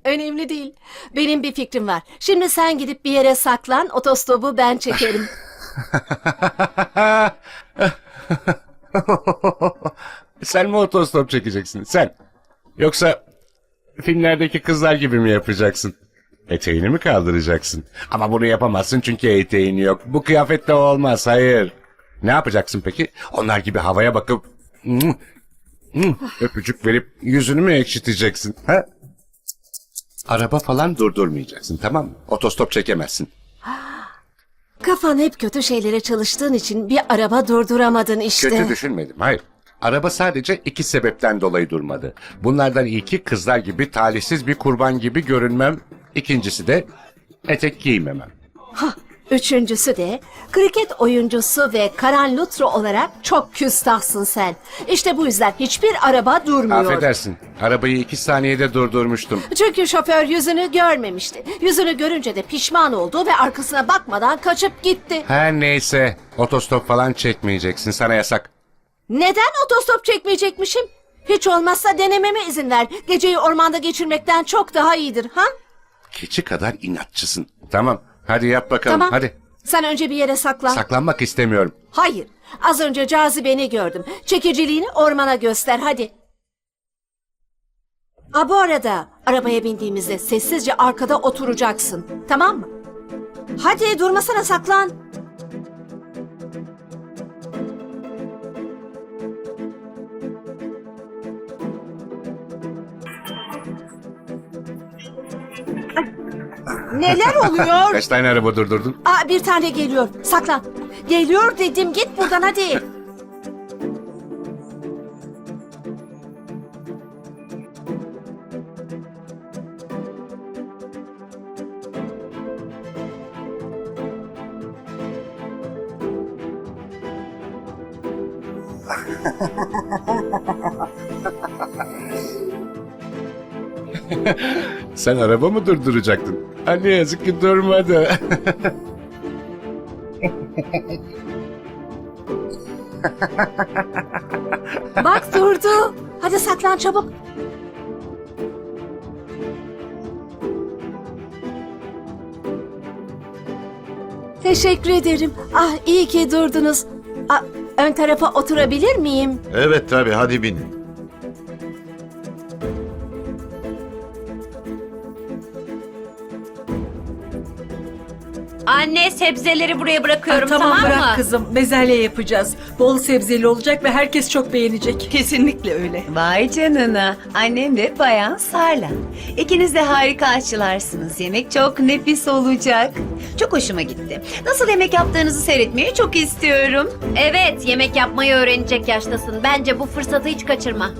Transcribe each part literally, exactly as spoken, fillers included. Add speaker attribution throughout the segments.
Speaker 1: Önemli değil. Benim bir fikrim var. Şimdi sen gidip bir yere saklan, otostopu ben çekerim.
Speaker 2: Sen mi otostop çekeceksin? Sen. Yoksa filmlerdeki kızlar gibi mi yapacaksın? Eteğini mi kaldıracaksın? Ama bunu yapamazsın çünkü eteğin yok. Bu kıyafette olmaz, hayır. Ne yapacaksın peki? Onlar gibi havaya bakıp "Hmm, hmm," öpücük verip yüzünü mü ekşiteceksin? Ha? Araba falan durdurmayacaksın, tamam mı? Otostop çekemezsin.
Speaker 1: Kafan hep kötü şeylere çalıştığın için bir araba durduramadın işte.
Speaker 2: Kötü düşünmedim, hayır. Araba sadece iki sebepten dolayı durmadı. Bunlardan ilki kızlar gibi talihsiz bir kurban gibi görünmem. İkincisi de etek giymemem.
Speaker 1: Üçüncüsü de kriket oyuncusu ve Karan Luthra olarak çok küstahsın sen. İşte bu yüzden hiçbir araba durmuyor.
Speaker 2: Affedersin, arabayı iki saniyede durdurmuştum.
Speaker 1: Çünkü şoför yüzünü görmemişti. Yüzünü görünce de pişman oldu ve arkasına bakmadan kaçıp gitti.
Speaker 2: Her neyse, otostop falan çekmeyeceksin, sana yasak.
Speaker 1: Neden otostop çekmeyecekmişim? Hiç olmazsa denememe izin ver. Geceyi ormanda geçirmekten çok daha iyidir, ha?
Speaker 2: Keçi kadar inatçısın. Tamam, hadi yap bakalım,
Speaker 1: Tamam.
Speaker 2: hadi.
Speaker 1: Sen önce bir yere saklan.
Speaker 2: Saklanmak istemiyorum.
Speaker 1: Hayır. Az önce cazibeni gördüm. Çekiciliğini ormana göster, hadi. Ha, bu arada arabaya bindiğimizde sessizce arkada oturacaksın. Tamam mı? Hadi durmasana, saklan. Neler oluyor?
Speaker 2: Kaç tane araba durdurdun?
Speaker 1: Aa, bir tane geliyor. Saklan. Geliyor dedim. Git buradan hadi.
Speaker 2: Sen araba mı durduracaktın? Ha, ne yazık ki durmadı.
Speaker 1: Bak durdu. Hadi saklan çabuk. Teşekkür ederim. Ah, iyi ki durdunuz. Ah, ön tarafa oturabilir miyim?
Speaker 3: Evet tabii, hadi binin.
Speaker 4: Anne, sebzeleri buraya bırakıyorum,
Speaker 5: Ah, tamam,
Speaker 4: tamam,
Speaker 5: bırak
Speaker 4: mı?
Speaker 5: kızım. Bezelye yapacağız. Bol sebzeli olacak ve herkes çok beğenecek.
Speaker 6: Kesinlikle öyle.
Speaker 7: Vay canına. Annem ve Bayan Sarla. İkiniz de harika aşçılarsınız. Yemek çok nefis olacak. Çok hoşuma gitti. Nasıl yemek yaptığınızı seyretmeyi çok istiyorum.
Speaker 4: Evet, yemek yapmayı öğrenecek yaştasın. Bence bu fırsatı hiç kaçırma.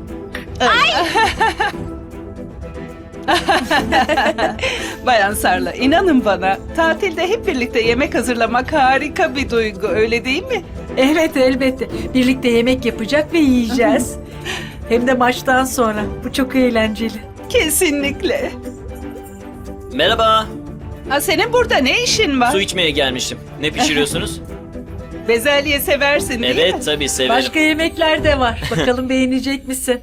Speaker 6: Bayan Sarla, inanın bana, tatilde hep birlikte yemek hazırlamak harika bir duygu, öyle değil mi?
Speaker 5: Evet, elbette. Birlikte yemek yapacak ve yiyeceğiz. Hem de maçtan sonra. Bu çok eğlenceli.
Speaker 6: Kesinlikle.
Speaker 8: Merhaba.
Speaker 6: Ha, senin burada ne işin var?
Speaker 8: Su içmeye gelmiştim. Ne pişiriyorsunuz?
Speaker 6: Bezelye seversin değil mi?
Speaker 8: Evet, tabii severim.
Speaker 5: Başka yemekler de var. Bakalım beğenecek misin?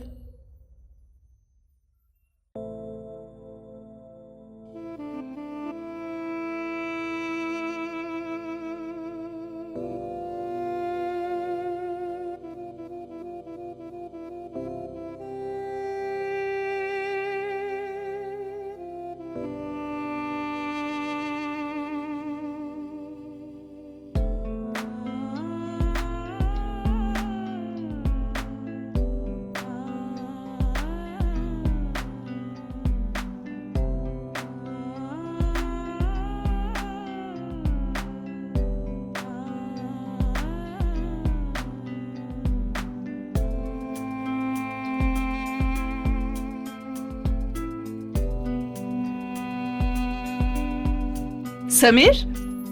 Speaker 6: Samir?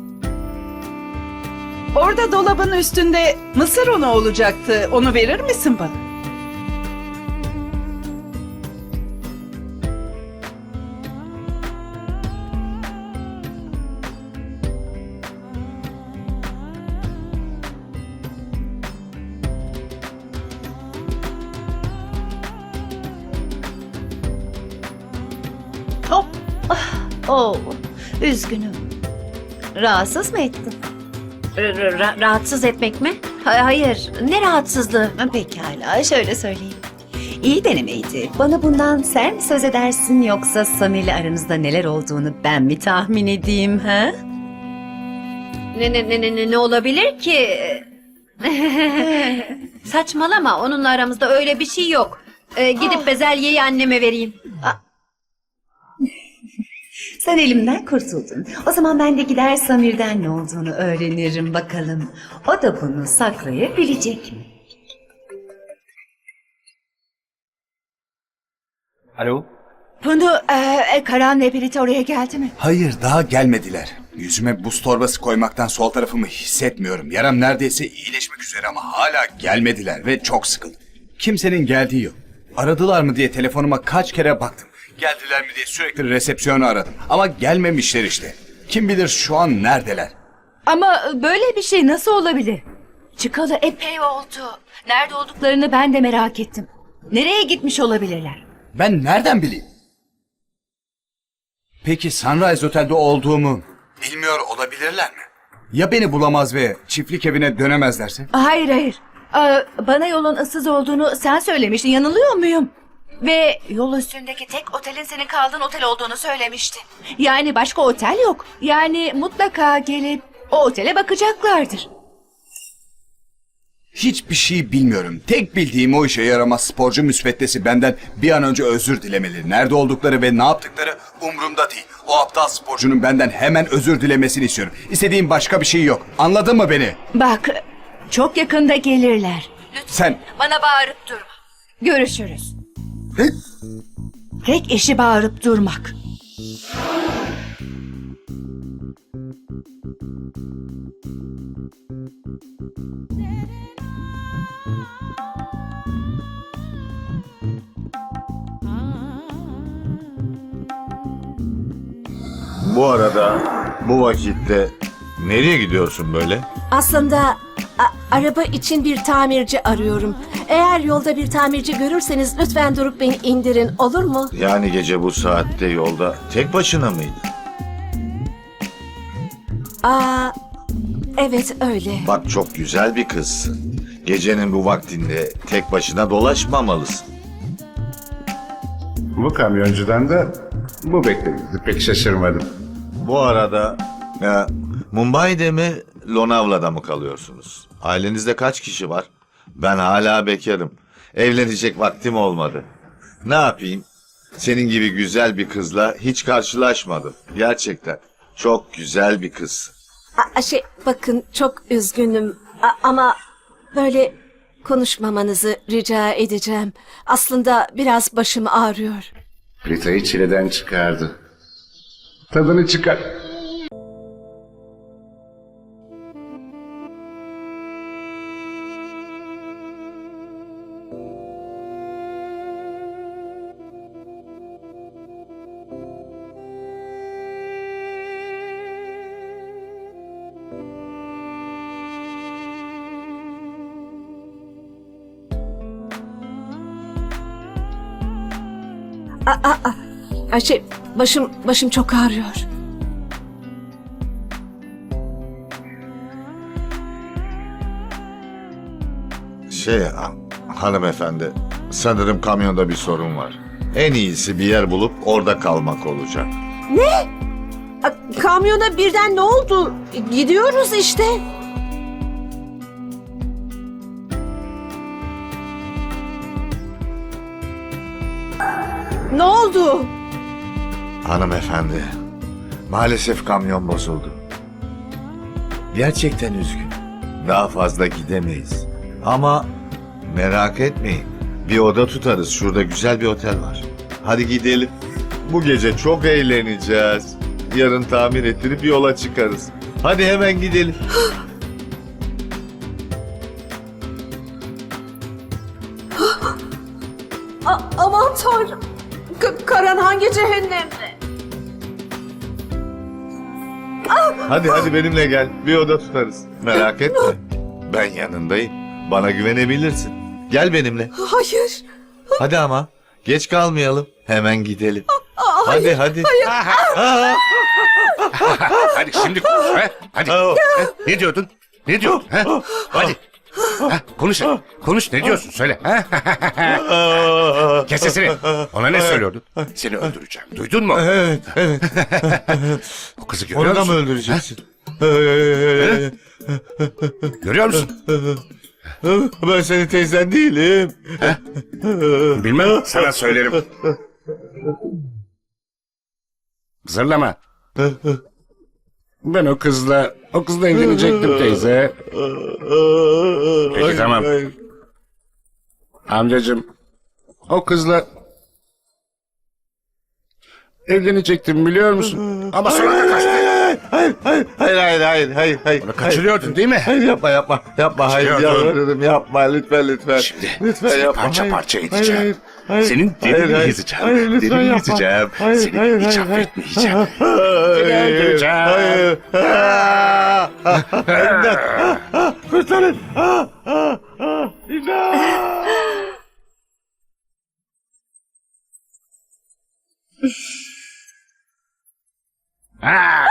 Speaker 6: Orada dolabın üstünde mısır unu olacaktı. Onu verir misin bana?
Speaker 7: Hop. Ah, oh, üzgünüm. Rahatsız mı ettim?
Speaker 4: R- ra- rahatsız etmek mi? Ha- hayır. Ne rahatsızlığı?
Speaker 7: Ha, pekala, şöyle söyleyeyim. İyi denemeydi. Bana bundan sen mi söz edersin yoksa Sami ile aranızda neler olduğunu ben mi tahmin edeyim ha?
Speaker 4: Ne ne ne ne ne- ne olabilir ki? Saçmalama. Onunla aramızda öyle bir şey yok. Ee, gidip bezelyeyi anneme vereyim.
Speaker 7: Sen elimden kurtuldun. O zaman ben de gider Samir'den ne olduğunu öğrenirim bakalım. O da bunu saklayabilecek mi?
Speaker 8: Alo?
Speaker 3: Bunu e, Karan ve Birite oraya geldi mi?
Speaker 9: Hayır, daha gelmediler. Yüzüme buz torbası koymaktan sol tarafımı hissetmiyorum. Yaram neredeyse iyileşmek üzere ama hala gelmediler ve çok sıkıldım. Kimsenin geldiği yok. Aradılar mı diye telefonuma kaç kere baktım. Geldiler mi diye sürekli resepsiyonu aradım. Ama gelmemişler işte. Kim bilir şu an neredeler?
Speaker 3: Ama böyle bir şey nasıl olabilir? Çıkalı epey oldu. Nerede olduklarını ben de merak ettim. Nereye gitmiş olabilirler?
Speaker 9: Ben nereden bileyim? Peki Sunrise Otel'de olduğumu bilmiyor olabilirler mi? Ya beni bulamaz ve çiftlik evine dönemezlerse?
Speaker 3: Hayır hayır. Aa, bana yolun ıssız olduğunu sen söylemiştin. Yanılıyor muyum? Ve yol üstündeki tek otelin senin kaldığın otel olduğunu söylemiştin. Yani başka otel yok. Yani mutlaka gelip o otele bakacaklardır.
Speaker 9: Hiçbir şey bilmiyorum. Tek bildiğim o işe yaramaz sporcu müsveddesi benden bir an önce özür dilemeli. Nerede oldukları ve ne yaptıkları umurumda değil. O aptal sporcunun benden hemen özür dilemesini istiyorum. İstediğim başka bir şey yok. Anladın mı beni?
Speaker 3: Bak, çok yakında gelirler.
Speaker 9: Sen...
Speaker 3: Bana bağırıp durma. Görüşürüz. Tek işi bağırıp durmak.
Speaker 10: Bu arada bu vakitte nereye gidiyorsun böyle?
Speaker 1: Aslında a- araba için bir tamirci arıyorum. Eğer yolda bir tamirci görürseniz lütfen durup beni indirin, olur mu?
Speaker 10: Yani gece bu saatte yolda tek başına mıydın?
Speaker 1: Aa, evet öyle.
Speaker 10: Bak çok güzel bir kızsın. Gecenin bu vaktinde tek başına dolaşmamalısın.
Speaker 2: Bu kamyoncudan da bu beklenirdi. Pek şaşırmadım.
Speaker 10: Bu arada e, Mumbai'de mi Lonavla'da mı kalıyorsunuz? Ailenizde kaç kişi var? Ben hala bekarım. Evlenecek vaktim olmadı. Ne yapayım? Senin gibi güzel bir kızla hiç karşılaşmadım. Gerçekten çok güzel bir kızsın.
Speaker 1: A- şey, bakın çok üzgünüm A- ama böyle konuşmamanızı rica edeceğim. Aslında biraz başım ağrıyor.
Speaker 2: Prita'yı çileden çıkardı. Tadını çıkar.
Speaker 1: Ay şey, başım başım çok ağrıyor.
Speaker 10: Şey ha- hanımefendi, sanırım kamyonda bir sorun var. En iyisi bir yer bulup orada kalmak olacak.
Speaker 1: A- Kamyona birden ne oldu? Gidiyoruz işte. Ne oldu?
Speaker 10: Hanımefendi, maalesef kamyon bozuldu. Gerçekten üzgün. Daha fazla gidemeyiz. Ama merak etmeyin. Bir oda tutarız. Şurada güzel bir otel var. Hadi gidelim. Bu gece çok eğleneceğiz. Yarın tamir ettirip yola çıkarız. Hadi hemen gidelim.
Speaker 1: A- aman tanrım. K- Karan hangi cehennemde?
Speaker 10: Hadi hadi benimle gel. Bir oda tutarız. Merak etme. Ben yanındayım. Bana güvenebilirsin. Gel benimle.
Speaker 1: Hayır.
Speaker 10: Hadi ama. Geç kalmayalım. Hemen gidelim.
Speaker 1: A-
Speaker 10: Hadi hadi.
Speaker 2: Hadi şimdi konuş. He? Hadi.
Speaker 10: Aa.
Speaker 2: He? Ne diyordun? Ne diyordun? He? Hadi. Ha, konuş. Konuş ne diyorsun? Söyle. Ha? Kes sesini. Ona ne söylüyordun? Seni öldüreceğim. Duydun mu?
Speaker 10: Evet, evet.
Speaker 2: O kızı görüyor
Speaker 10: Onu da
Speaker 2: musun?
Speaker 10: mı öldüreceksin?
Speaker 2: Görüyor musun?
Speaker 10: Ben senin teyzen değilim.
Speaker 2: Bilmem. Sana söylerim. Zırlama. Ben o kızla, o kızla evlenecektim teyze. Peki tamam. Amcacığım, o kızla evlenecektim biliyor musun? Ama sonra da kaçtı.
Speaker 10: Hayır, hayır, hayır, hayır, hayır, hayır, hayır.
Speaker 2: Onu kaçırıyordun değil mi?
Speaker 10: Hayır yapma, yapma, yapma, hayır,
Speaker 2: Kaçırıyordun.
Speaker 10: yalvarırım, yapma, lütfen, lütfen.
Speaker 2: Şimdi
Speaker 10: lütfen
Speaker 2: seni
Speaker 10: yapma.
Speaker 2: parça
Speaker 10: hayır,
Speaker 2: parça
Speaker 10: hayır,
Speaker 2: edeceğim.
Speaker 10: hayır, hayır,
Speaker 2: Senin
Speaker 10: hayır,
Speaker 2: dilini
Speaker 10: hayır,
Speaker 2: ezeceğim.
Speaker 10: hayır, lütfen
Speaker 2: Dilini
Speaker 10: yapma.
Speaker 2: ezeceğim.
Speaker 10: Hayır,
Speaker 2: Seni
Speaker 10: hayır,
Speaker 2: hiç
Speaker 10: hayır,
Speaker 2: affetmeyeceğim.
Speaker 10: hayır,
Speaker 2: Seni öldüreceğim.
Speaker 10: hayır. Ah, ah, İmdat, ah, ah, kurtarın. Ah, ah, ah, İmdat.
Speaker 2: Ha!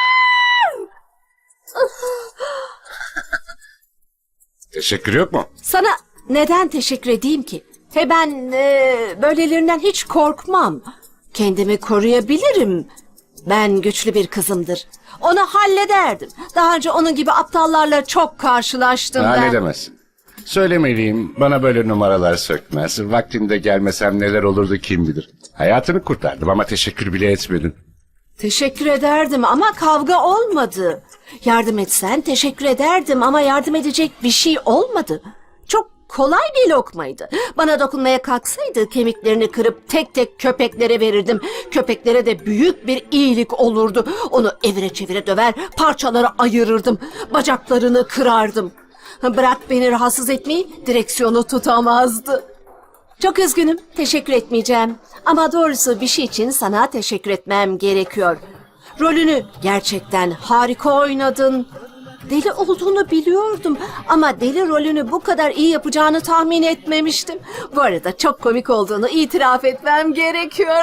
Speaker 2: Teşekkür yok mu?
Speaker 1: Sana neden teşekkür edeyim ki? He ben e, böylelerinden hiç korkmam. Kendimi koruyabilirim. Ben güçlü bir kızımdır. Onu hallederdim. Daha önce onun gibi aptallarla çok karşılaştım ben.
Speaker 2: Halledemezsin. Söylemeliyim, bana böyle numaralar sökmez. Vaktinde gelmesem neler olurdu kim bilir. Hayatını kurtardım ama teşekkür bile etmedin.
Speaker 1: Teşekkür ederdim ama kavga olmadı. Yardım etsen teşekkür ederdim ama yardım edecek bir şey olmadı. Çok kolay bir lokmaydı. Bana dokunmaya kalksaydı kemiklerini kırıp tek tek köpeklere verirdim. Köpeklere de büyük bir iyilik olurdu. Onu evire çevire döver, parçalara ayırırdım. Bacaklarını kırardım. Bırak beni rahatsız etmeyi, direksiyonu tutamazdı. Çok üzgünüm, teşekkür etmeyeceğim. Ama doğrusu bir şey için sana teşekkür etmem gerekiyor. Rolünü gerçekten harika oynadın. Deli olduğunu biliyordum ama deli rolünü bu kadar iyi yapacağını tahmin etmemiştim. Bu arada çok komik olduğunu itiraf etmem gerekiyor.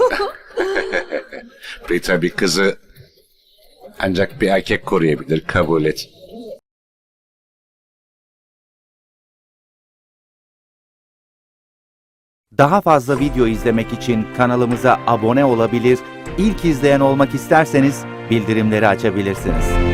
Speaker 2: Rita bir kızı ancak bir erkek koruyabilir, kabul et.
Speaker 11: Daha fazla video izlemek için kanalımıza abone olabilir, ilk izleyen olmak isterseniz bildirimleri açabilirsiniz.